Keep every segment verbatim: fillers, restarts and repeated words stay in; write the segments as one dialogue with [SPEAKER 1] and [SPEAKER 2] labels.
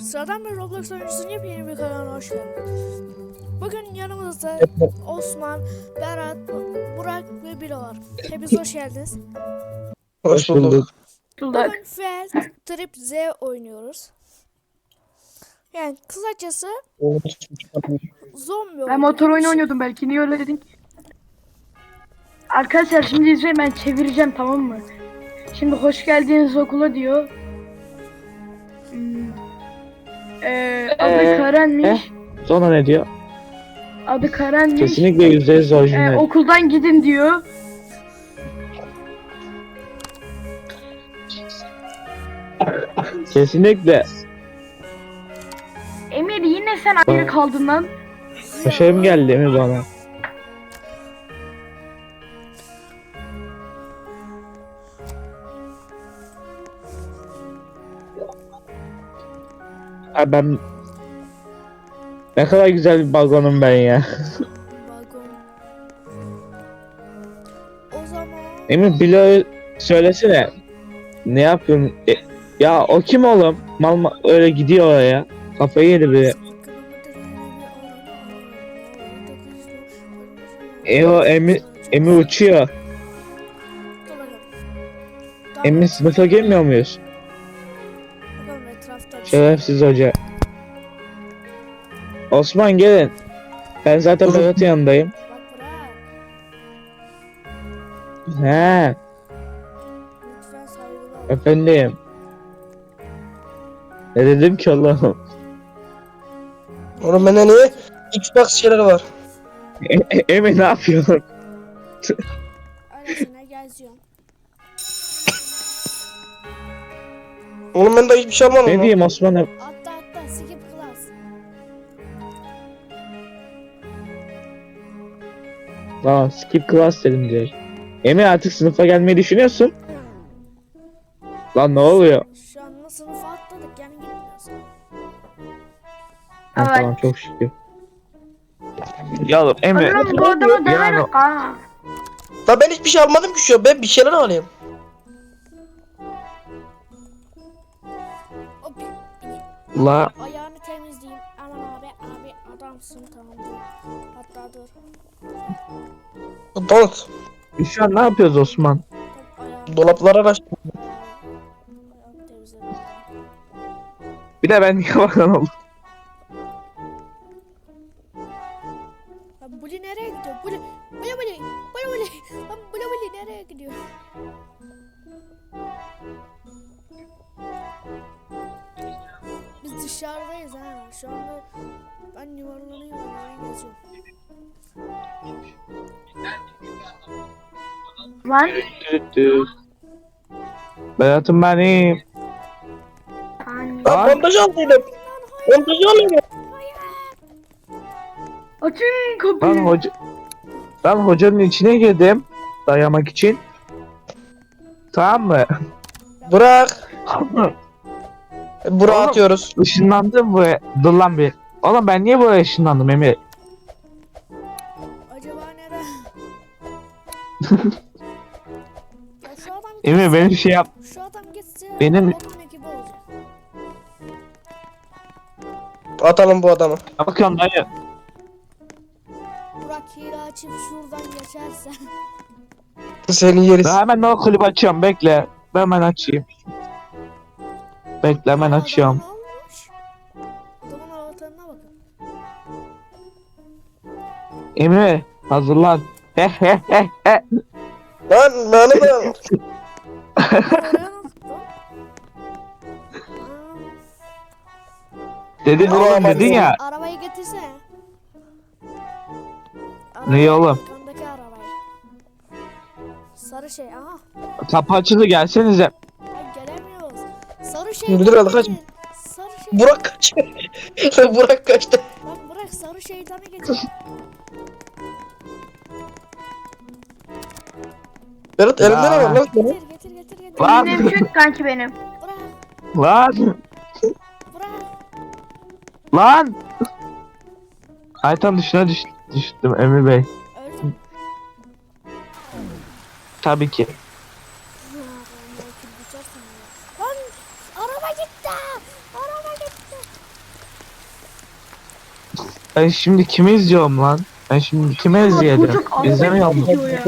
[SPEAKER 1] Sıradan bir Roblox oyuncusunun yepyeni bir kanalına hoş geldiniz. Bugün yanımızda Osman, Berat, Burak ve Bilo var. Hepiniz hoş geldiniz.
[SPEAKER 2] Hoş bulduk.
[SPEAKER 1] Bugün Feld Trip Z oynuyoruz. Yani kısacası zombi
[SPEAKER 3] Ben
[SPEAKER 1] oyunu.
[SPEAKER 3] motor oyunu
[SPEAKER 1] Şey-
[SPEAKER 3] oynuyordum, belki niye öyle dedin? Arkadaşlar şimdi izleyin, ben çevireceğim, tamam mı? Şimdi hoş geldiniz okula diyor. Hmm. Ee, adı
[SPEAKER 2] Ee,
[SPEAKER 3] Karen'miş.
[SPEAKER 2] Sonra ne diyor?
[SPEAKER 3] Adı Karen'miş.
[SPEAKER 2] Kesinlikle yüzde yüz
[SPEAKER 3] Ee,
[SPEAKER 2] orijinal.
[SPEAKER 3] okuldan gidin diyor.
[SPEAKER 2] Kesinlikle.
[SPEAKER 3] Emir, yine sen ayrı kaldın lan.
[SPEAKER 2] Başarım geldi mi bana? Ha ben... Ne kadar güzel bir balkonum ben ya.
[SPEAKER 1] Balkon. O zaman
[SPEAKER 2] Emin Bilo söylesene. Ne yapıyorsun? E, ya o kim oğlum? Mal ma- öyle gidiyor oraya. Kafayı yedi bir. E o Emi, Emi uçuyor. Emi sınıfa girmiyor muyuz?
[SPEAKER 1] Bakalım etrafta bir şey.
[SPEAKER 2] Şerefsiz hoca. Osman gelin. Ben zaten Berat'ın yanındayım.
[SPEAKER 1] Bak bırak.
[SPEAKER 2] He,
[SPEAKER 1] Lütfen saygılı ol.
[SPEAKER 2] efendim. Ne dedim ki Allah'ım?
[SPEAKER 4] Oğlum bende niye Xbox şeyleri var?
[SPEAKER 2] E, e, Emi ne yapıyorsun?
[SPEAKER 1] Öylesine geziyorum.
[SPEAKER 4] Oğlum ben de hiçbir şey almadım
[SPEAKER 2] Ne
[SPEAKER 4] lan.
[SPEAKER 2] diyeyim Osman'a?
[SPEAKER 1] Atla atla skip class.
[SPEAKER 2] Aa, skip class dedim diyor. Emi artık sınıfa gelmeyi düşünüyorsun. Lan ne oluyor?
[SPEAKER 1] Şu an sınıfa atladık yani gitmiyoruz.
[SPEAKER 2] Ha,
[SPEAKER 3] Evet.
[SPEAKER 2] tamam çok şükür. Ya oğlum Emi.
[SPEAKER 3] Oğlum bu adamı
[SPEAKER 2] Yani-
[SPEAKER 3] döverim ha.
[SPEAKER 4] Lan ben hiçbir şey almadım ki şu an. Ben bir şeyler alayım.
[SPEAKER 1] O bir, bir
[SPEAKER 2] La
[SPEAKER 1] ayağını temizleyeyim. Aman abi abi adamsın tamam dur. Hatta dur.
[SPEAKER 4] Donut.
[SPEAKER 2] biz şu an ne yapıyoruz Osman?
[SPEAKER 1] Dur ayağını,
[SPEAKER 4] Dolaplara baş.
[SPEAKER 1] ayağını temizledim.
[SPEAKER 2] Bir de ben niye bakan oldum?
[SPEAKER 1] Lan Bully nereye gidiyor? Bully, Bully Bully, Bully Bully. Lan Bully Bully nereye gidiyor? Biz dışarıdayız ha. Şu anda ben yuvarlanıyorum. Ben geziyorum.
[SPEAKER 3] Lan.
[SPEAKER 2] Berat'ım benim.
[SPEAKER 3] Hani.
[SPEAKER 4] Lan
[SPEAKER 2] Lan.
[SPEAKER 4] bandaj aldıydım. Bandaj alayım.
[SPEAKER 3] Açın
[SPEAKER 2] Lan
[SPEAKER 3] kapıyı.
[SPEAKER 2] hoca... Ben hocanın içine girdim. Dayamak için. Tamam mı?
[SPEAKER 4] Bırak. Buraya
[SPEAKER 2] Oğlum.
[SPEAKER 4] atıyoruz.
[SPEAKER 2] Işınlandım buraya. Dur lan bir. Oğlum ben niye buraya ışınlandım Emir?
[SPEAKER 1] Acaba nere? Ya şu adam
[SPEAKER 2] Emir
[SPEAKER 1] gitse,
[SPEAKER 2] benim şey yap.
[SPEAKER 1] şu adam gitse
[SPEAKER 2] Benim-
[SPEAKER 1] onun ekibi olacak.
[SPEAKER 4] Atalım bu adamı.
[SPEAKER 2] Bakıyorum dayı.
[SPEAKER 1] Burak hile açıp şuradan geçerse.
[SPEAKER 4] Seni yeriz.
[SPEAKER 2] Ben hemen o kulübü açıyorum bekle. Ben hemen açayım. Bekle hemen
[SPEAKER 1] Aa,
[SPEAKER 2] açıyorum.
[SPEAKER 1] adamın olmuş. Adamın avatarına bakın.
[SPEAKER 2] Emir hazırlan. He he he he.
[SPEAKER 4] Lan beni de.
[SPEAKER 1] Oraya nasıl lan?
[SPEAKER 2] Dedin
[SPEAKER 4] Buraya
[SPEAKER 2] oğlum
[SPEAKER 4] bak
[SPEAKER 2] dedin
[SPEAKER 4] ya.
[SPEAKER 2] ya.
[SPEAKER 1] Arabayı getirsene.
[SPEAKER 2] Neyi oğlum?
[SPEAKER 1] Arkandaki arabayı. Sarı şey aha.
[SPEAKER 2] Kapı açıldı gelsenize.
[SPEAKER 1] Ay gelemiyoruz. Sarı şey.
[SPEAKER 4] Müdür aldı, kaç.
[SPEAKER 1] Sarı şey.
[SPEAKER 4] Burak kaç. Burak kaçtı.
[SPEAKER 1] Lan bırak sarı şeytanı getir.
[SPEAKER 4] Berat elinde ne var lan?
[SPEAKER 1] Getir getir getir getir.
[SPEAKER 2] Lan.
[SPEAKER 3] Benim çök kanki benim.
[SPEAKER 1] Bırak
[SPEAKER 2] Lan.
[SPEAKER 1] bırak.
[SPEAKER 2] Lan. Aytan dışına düş düştüm Emir Bey.
[SPEAKER 1] Öldüm.
[SPEAKER 2] Tabii ki.
[SPEAKER 1] Lan araba gitti. Araba gitti.
[SPEAKER 2] Ben şimdi kimi izliyorum lan? Ben şimdi kimi izleyelim?
[SPEAKER 3] Çocuk ağlamak
[SPEAKER 2] İzlemiyor mu?
[SPEAKER 3] istiyor ya.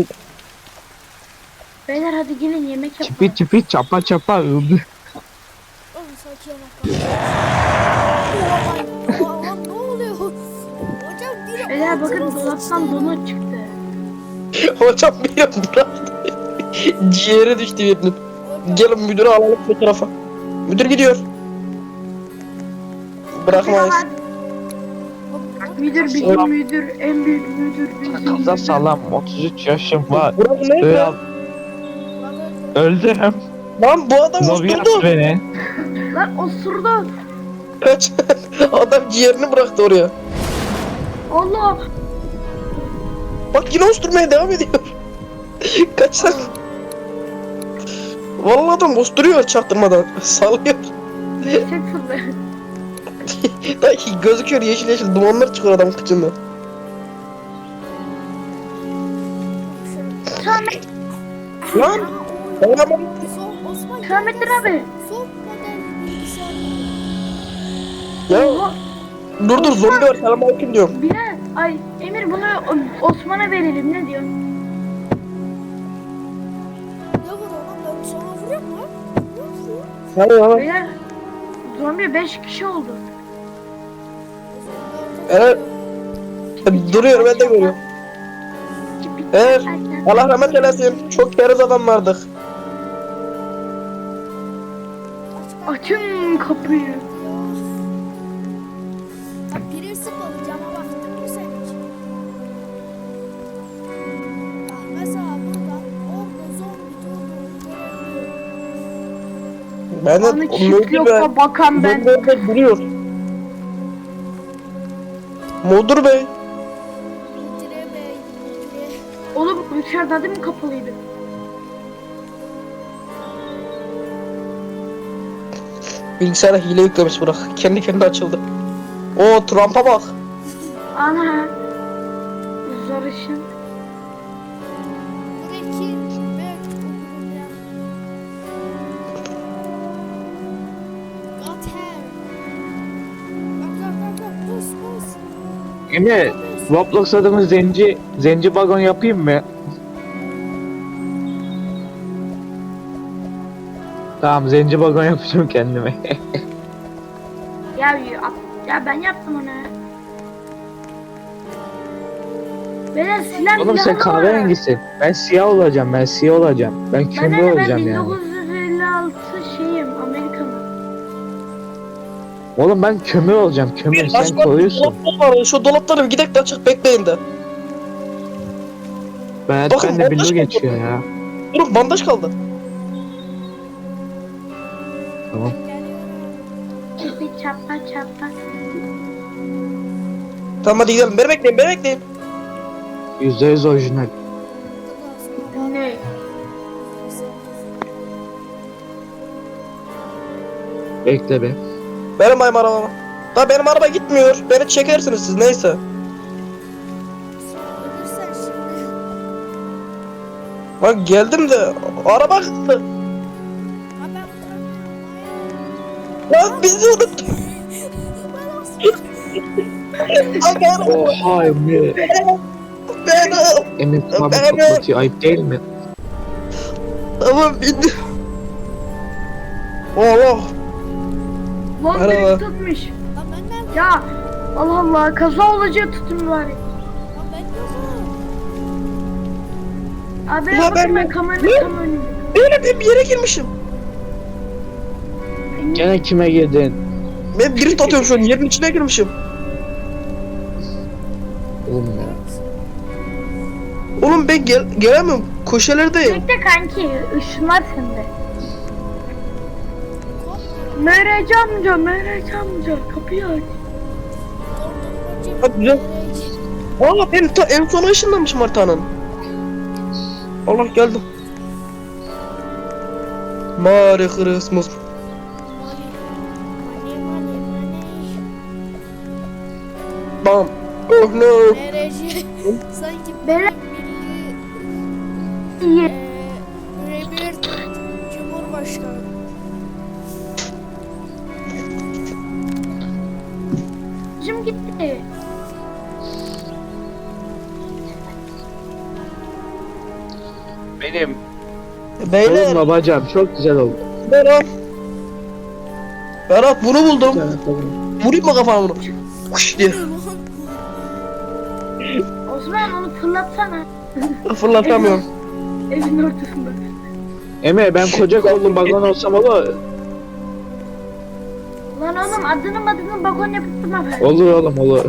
[SPEAKER 3] Beyler hadi gelin yemek yapalım.
[SPEAKER 2] Çipi çipi çapa çapa öldü.
[SPEAKER 1] Oğlum sakin ol. Oha, oha, ne oluyor? Hocam biri
[SPEAKER 3] Beyler bakın
[SPEAKER 1] altıma
[SPEAKER 3] dolaptan
[SPEAKER 1] sıçtı.
[SPEAKER 3] donut çıktı.
[SPEAKER 4] Hocam bir an bıraktı. Ciğeri düştü birinin.
[SPEAKER 1] Hocam,
[SPEAKER 4] Gelin müdürü alalım bu tarafa. Müdür gidiyor. Bırakmayız.
[SPEAKER 3] Müdür bizim
[SPEAKER 2] Selam.
[SPEAKER 3] müdür, en büyük müdür bizim
[SPEAKER 2] Kıza
[SPEAKER 3] müdür.
[SPEAKER 2] salam otuz üç yaşım var.
[SPEAKER 4] Burası ne?
[SPEAKER 2] Öl öldüm.
[SPEAKER 4] Lan bu adam
[SPEAKER 2] Lobi
[SPEAKER 4] usturdu.
[SPEAKER 2] at beni.
[SPEAKER 3] Lan osurdu.
[SPEAKER 4] Kaç. Adam ciğerini bıraktı oraya.
[SPEAKER 3] Allah.
[SPEAKER 4] Bak yine usturmaya devam ediyor. Kaç lan. Vallahi adam usturuyor çaktırmadan. Sallıyor.
[SPEAKER 3] Destek fırlı.
[SPEAKER 4] Dayı gözüküyor yeşil yeşil dumanlar çıkıyor adamın kıçından.
[SPEAKER 3] Samet,
[SPEAKER 4] Lan. Oğlum.
[SPEAKER 1] Son Osman.
[SPEAKER 3] Samettin abi.
[SPEAKER 1] Son model bilgisayar.
[SPEAKER 4] Ya
[SPEAKER 3] Oha.
[SPEAKER 4] dur dur zombi var selam aleyküm diyorum.
[SPEAKER 3] Bilal, ay Emir bunu O- Osman'a verelim ne diyor?
[SPEAKER 1] Ne vuruyor lan? Ben sana vuruyor mu? Ne vuruyor?
[SPEAKER 4] Hayır hayır.
[SPEAKER 3] Beyler, zombi beş kişi oldu.
[SPEAKER 4] Evet. Duruyor ben de görüyorum. Evet. Allah rahmet eylesin. Çok keriz adamlardık.
[SPEAKER 3] Açın kapıyı.
[SPEAKER 1] Ya biri sıkmadı cama baktın mı sen hiç? Bak mesela burada orada zombi durduğunu görebiliyorum.
[SPEAKER 4] Ben de
[SPEAKER 3] Bana çift
[SPEAKER 4] Mudur Bey.
[SPEAKER 3] yoksa bakan ben.
[SPEAKER 4] Mudur Bey duruyor. Mudur Bey.
[SPEAKER 1] Müdüre bey, müdüre.
[SPEAKER 3] Oğlum dışarıda değil mi kapalıydı?
[SPEAKER 4] Bilgisayara hile yüklemiş bırak. Kendi kendine açıldı. Oo Trump'a bak.
[SPEAKER 3] Ana. Zor işin.
[SPEAKER 1] Buradaki ben okurum ya. Gater. Bak bak bak bak buz buz.
[SPEAKER 2] Emre Roblox adımı zenci zenci bagon yapayım mı? Tamam zenci bagon yapacağım kendime.
[SPEAKER 3] Ya, ya, ya ben yaptım onu. Beyler silah
[SPEAKER 2] Oğlum sen
[SPEAKER 3] silahı var.
[SPEAKER 2] kahverengisin. Ben siyah olacağım ben siyah olacağım. Ben
[SPEAKER 3] Ben
[SPEAKER 2] kömür
[SPEAKER 3] de ben
[SPEAKER 2] olacağım
[SPEAKER 3] bin
[SPEAKER 2] yani.
[SPEAKER 3] dokuz yüz elli altı şeyim Amerikalı.
[SPEAKER 2] Oğlum ben kömür olacağım kömür sen
[SPEAKER 4] Başka
[SPEAKER 2] koyuyorsun.
[SPEAKER 4] dolaplar var. Şu dolapları bir gidek de açık bekleyin de.
[SPEAKER 2] Ben
[SPEAKER 4] Bakın,
[SPEAKER 2] ben de
[SPEAKER 4] bandaj
[SPEAKER 2] billo
[SPEAKER 4] kaldı.
[SPEAKER 2] geçiyor ya.
[SPEAKER 4] Durun bandaj kaldı.
[SPEAKER 2] Tamam.
[SPEAKER 3] Çipi çapa çapa.
[SPEAKER 4] Tamam hadi gidelim. Beni bekleyin beni bekleyin.
[SPEAKER 2] yüzde yüz orijinal.
[SPEAKER 3] Ne?
[SPEAKER 2] Bekle be.
[SPEAKER 4] Benim benim arabama. Da benim araba gitmiyor. Beni çekersiniz siz neyse.
[SPEAKER 1] Ölürsen şimdi.
[SPEAKER 4] Lan geldim de araba gitti.
[SPEAKER 1] Ha ben bırakmıyorum.
[SPEAKER 4] Lan bizi unuttu. Lan benim.
[SPEAKER 2] Oha Emre.
[SPEAKER 4] Benim.
[SPEAKER 2] Emre abi
[SPEAKER 4] Ben-
[SPEAKER 2] kapatıyor ayıp değil mi?
[SPEAKER 4] Tamam bindim. Oh.
[SPEAKER 3] Lan
[SPEAKER 4] Merhaba.
[SPEAKER 3] beni tutmuş.
[SPEAKER 1] Lan ben nerede?
[SPEAKER 3] Ya Allah Allah kaza olacağı tutun bari.
[SPEAKER 1] Lan ben yokum.
[SPEAKER 3] Abi
[SPEAKER 4] Ya
[SPEAKER 3] bakın
[SPEAKER 4] ben-
[SPEAKER 3] ben kameranın
[SPEAKER 4] Ne?
[SPEAKER 3] tam önünde.
[SPEAKER 4] Benim ben bir yere girmişim.
[SPEAKER 2] Gene kime girdin?
[SPEAKER 4] Ben biri atıyorum şu an yerin içine girmişim.
[SPEAKER 2] Oğlum ya.
[SPEAKER 4] Oğlum ben gel gelemiyorum. Köşelerdeyim.
[SPEAKER 3] Bekle kanki ışınlar sende. Merac amca, Merac amca kapıyı aç.
[SPEAKER 4] Hadi güzel. Aa ben ta en sona ışınlanmışım haritanın. Allah geldim. Merry Christmas. Bam. Oh no.
[SPEAKER 1] Nereci? Sanki
[SPEAKER 3] Beyler
[SPEAKER 1] milli
[SPEAKER 3] iyi.
[SPEAKER 1] eee Rebir Cumhurbaşkanı.
[SPEAKER 3] Kılıcım gitti.
[SPEAKER 2] Benim
[SPEAKER 4] Beyler.
[SPEAKER 2] kolumla bacağım çok güzel oldu.
[SPEAKER 4] Berat. Berat bunu buldum. Vurayım mı kafana bunu? Kuş diye.
[SPEAKER 3] Osman onu fırlatsana.
[SPEAKER 4] Fırlatamıyorum.
[SPEAKER 3] Evin ortasında.
[SPEAKER 2] Emre ben koca kollu balon olsam olur.
[SPEAKER 3] Lan oğlum adını adını bagon yapıp durma be.
[SPEAKER 2] Olur oğlum olur.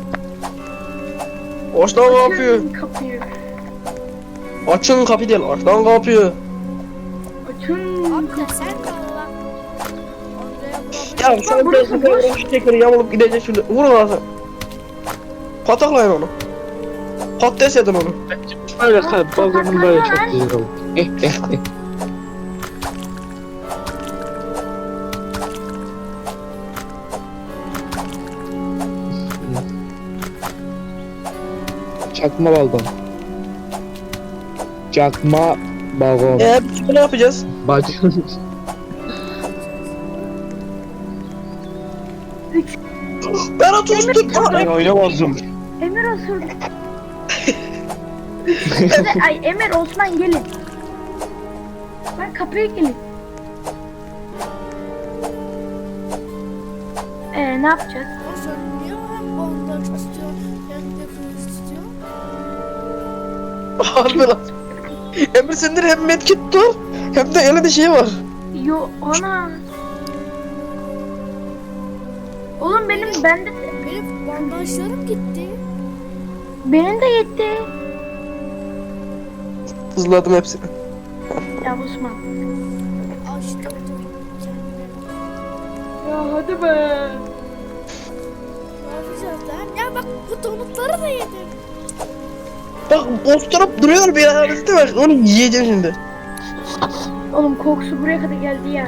[SPEAKER 4] Açtan kapıyı.
[SPEAKER 3] Açın kapıyı.
[SPEAKER 4] Açın kapıyı değil. Açtan kapıyı.
[SPEAKER 3] Açın
[SPEAKER 1] Abi de
[SPEAKER 3] kapıyı.
[SPEAKER 1] sen kal lan. Oraya
[SPEAKER 4] Ya sen
[SPEAKER 3] burası
[SPEAKER 4] biraz
[SPEAKER 3] boş.
[SPEAKER 4] boş tekeri yamulup gidecek şimdi. Vurun ağzına. Pataklayın onu. Patates edin onu.
[SPEAKER 2] Böyle kalp balonum böyle çok güzel oldu. Eh eh eh. Çakma balon. Çakma balon.
[SPEAKER 4] Eee biz ne yapacağız?
[SPEAKER 2] Bacım.
[SPEAKER 4] Berat uçtu.
[SPEAKER 2] Ben oynamazdım.
[SPEAKER 3] Emir osurdu. Size- Ay Emir Osman gelin. Ben kapıya gelin. Ee ne yapacağız?
[SPEAKER 1] O sen niye hem balondan istiyor hem de kılıç istiyor?
[SPEAKER 4] Harbi lan. Emre sendir hem medkit dur. Hem de elinde şey var.
[SPEAKER 3] Yo ana. Oğlum benim bende
[SPEAKER 1] Benim bandajlarım gitti.
[SPEAKER 3] benim de yetti.
[SPEAKER 4] Hızladım hepsini.
[SPEAKER 3] Ya Osman.
[SPEAKER 1] Açtım dur. Kendime.
[SPEAKER 3] Ya hadi be.
[SPEAKER 1] Ne yapacağız lan? Ya bak bu donutları da yedim.
[SPEAKER 4] Bak osturup duruyor bir arasında bak. Onu yiyeceğim şimdi.
[SPEAKER 3] Oğlum kokusu buraya kadar geldi ya.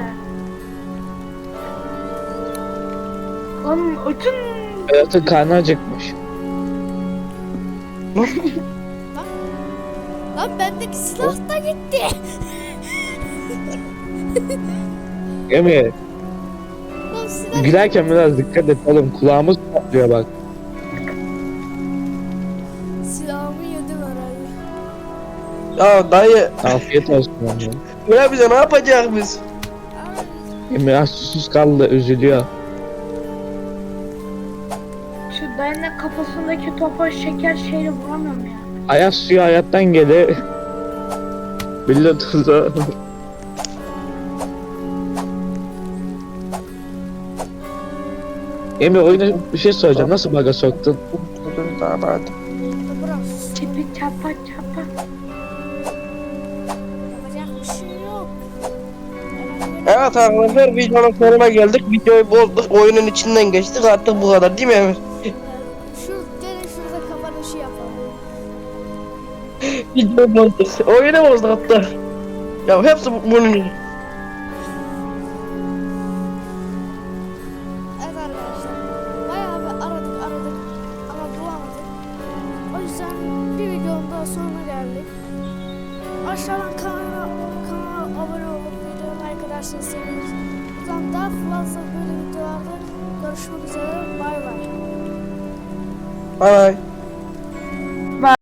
[SPEAKER 3] Lan açın.
[SPEAKER 2] Hayatın karnı acıkmış.
[SPEAKER 1] Lan bendeki silah da gitti.
[SPEAKER 2] Emre
[SPEAKER 1] Lan silah
[SPEAKER 2] gülerken biraz dikkat et oğlum kulağımız patlıyor bak.
[SPEAKER 1] silahımı yedim herhalde.
[SPEAKER 4] Ya dayı.
[SPEAKER 2] Afiyet olsun Emre.
[SPEAKER 4] Ne bize ne yapacağız biz?
[SPEAKER 1] Ay,
[SPEAKER 2] Emre az susuz kaldı üzülüyor.
[SPEAKER 3] Şu dayının kafasındaki topa şeker şeyle vuramıyorum ya.
[SPEAKER 2] Ayak suyu hayattan gelir. Billa tuzu. Emre oyuna bir şey soracağım. Nasıl baga soktun?
[SPEAKER 4] Tamam hadi.
[SPEAKER 1] bırak.
[SPEAKER 3] Çipi çapa çapa.
[SPEAKER 1] Yapacak bir şey yok.
[SPEAKER 4] Evet arkadaşlar videonun sonuna geldik. Videoyu bozduk. Oyunun içinden geçtik. Artık bu kadar değil mi Emir?
[SPEAKER 1] Şu gelin şurada kapanışı yapalım.
[SPEAKER 4] Videoyu bozduk. Oyunu bozduk hatta. Ya hepsi bu- bunun yüzü.
[SPEAKER 1] Evet arkadaşlar. Bayağı bir aradık aradık ama bulamadık. O yüzden bir videonun daha sonuna geldik. Aşağıdan kanala, kanala abone olup videoyu like ederseniz seviniriz. Buradan daha fazla böyle videolarda görüşmek üzere. Bay bay.
[SPEAKER 4] Bay bay.